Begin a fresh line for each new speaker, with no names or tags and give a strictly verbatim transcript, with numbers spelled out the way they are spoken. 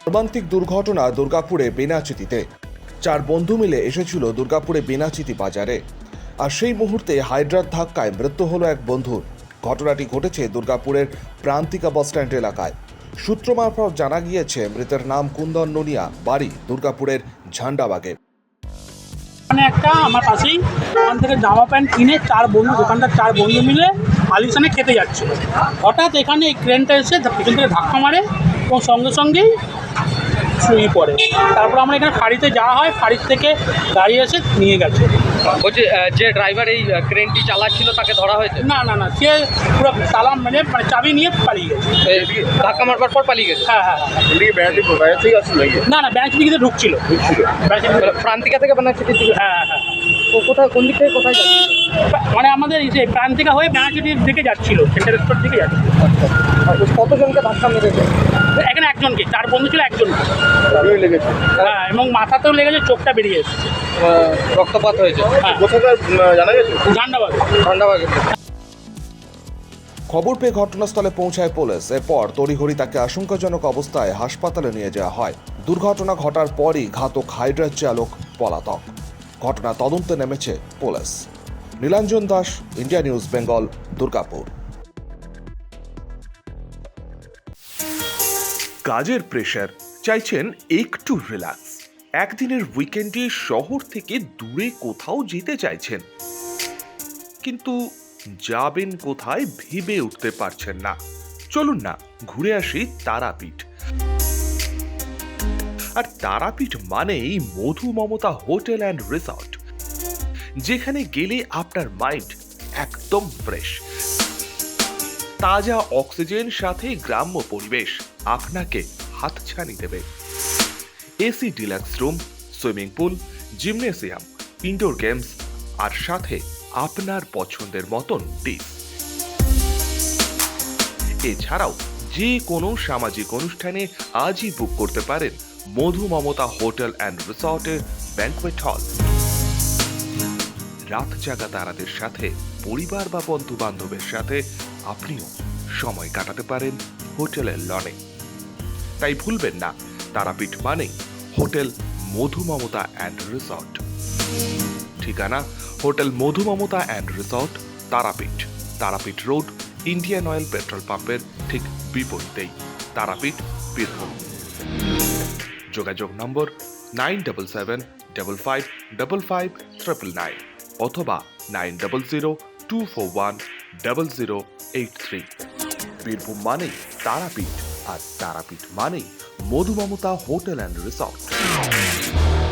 মর্মান্তিক দুর্ঘটনা দুর্গাপুরে বেনাচিতিতে। চার বন্ধু মিলে এসেছিল দুর্গাপুরে বেনাচিতি বাজারে, আর সেই মুহূর্তে হাইড্রার ধাক্কায় মৃত্যু হলো এক বন্ধুর। ঘটনাটি ঘটেছে দুর্গাপুরের প্রান্তিকা বাসস্ট্যান্ড এলাকায়। সূত্র মারফত জানা গিয়েছে মৃতের নাম কুন্দন ননিয়া, বাড়ি দুর্গাপুরের ঝান্ডাবাগে।
মানে একটা আমার পাশেই ওখান থেকে জামা প্যান্ট কিনে চার বন্ধু দোকানদার চার বন্ধু মিলে আলিশানে খেতে যাচ্ছিল। হঠাৎ এখানে এই ক্রেনটা এসে পিছন থেকে ধাক্কা মারে এবং সঙ্গে সঙ্গেই শুয়ে পড়ে। তারপর আমরা এখানে ফাঁড়িতে যাওয়া হয়, ফাঁড়ির থেকে গাড়ি এসে নিয়ে গেছে।
বলছি যে ড্রাইভার এই ক্রেনটি চালাচ্ছিল তাকে ধরা হয়েছে?
না না না সে পুরো তালাম মানে মানে চাবি নিয়ে পালিয়ে গেছে।
ধাক্কা মারবার পর পালিয়ে গেছে?
হ্যাঁ হ্যাঁ না না ব্যাংক দিকে ঢুকছিল।
প্রান্তিকা থেকে বানাচ্ছে?
হ্যাঁ হ্যাঁ
তো কোথায়, কোন দিক থেকে কোথায় যাচ্ছে?
মানে আমাদের এই যে প্রান্তিকা হয়ে ব্যাংকের দিকে যাচ্ছিল, সেন্টার স্টোর দিকে যাচ্ছিল।
কতজনকে ধাক্কা মেরেছে?
এখানে একজনকে, চার বন্ধু ছিল একজনকে লেগেছে। হ্যাঁ এবং মাথাতেও লেগেছে, চোখটা বেরিয়ে এসেছে,
রক্তপাত হয়েছে।
জানা গেছে ঝান্ডাবাগ
ঝান্ডাবাগে।
খবর পেয়ে ঘটনাস্থলে পৌঁছায় পুলিশ। এরপর তড়িঘড়ি তাকে আশঙ্কাজনক অবস্থায় হাসপাতালে নিয়ে যাওয়া হয়। দুর্ঘটনা ঘটার পরই ঘাতক হাইড্রার চালক পলাতক। ঘটনা তদন্তে নেমেছে police. Nilanjan Das, India news Bengal, Durgapur.
কাজের প্রেশার, চাইছেন একটু রিল্যাক্স, একদিনের উইকেন্ডে শহর থেকে দূরে কোথাও যেতে চাইছেন, কিন্তু যাবেন কোথায় ভেবে উঠতে পারছেন না। চলুন না ঘুরে আসি তারাপীঠ। আর তারাপীঠ মানেই Madhu Mamata hotel and resort, যেখানে গেলে আপনার মাইন্ড একদম ফ্রেশ। তাজা অক্সিজেন সাথে গ্রাম্য পরিবেশ আপনাকে হাতছানি দেবে। AC deluxe room, swimming pool, gymnasium, indoor games আর সাথে আপনার পছন্দের মতন ডিশ। এছাড়াও যে কোনো সামাজিক অনুষ্ঠানে আজই বুক করতে পারেন মধু মমতা হোটেল অ্যান্ড রিসর্টের ব্যাংকোয়েট হল। রাত জাগা তারাদের সাথে, পরিবার বা বন্ধু বান্ধবের সাথে আপনিও সময় কাটাতে পারেন হোটেলের লনে। তাই ভুলবেন না, তারাপীঠ মানে hotel Madhu Mamata and resort. ঠিকানা hotel Madhu Mamata and resort, Tarapith, Tarapith road, Indian Oil petrol পাম্পের ঠিক বিপরীতেই, তারাপীঠ, বীরভূম। যোগাযোগ number nine double seven double five double five triple nine অথবা nine double zero two four one double zero eight three. Birbhum মানেই তারাপীঠ, আর তারাপীঠ মানেই Madhu Mamata hotel and resort.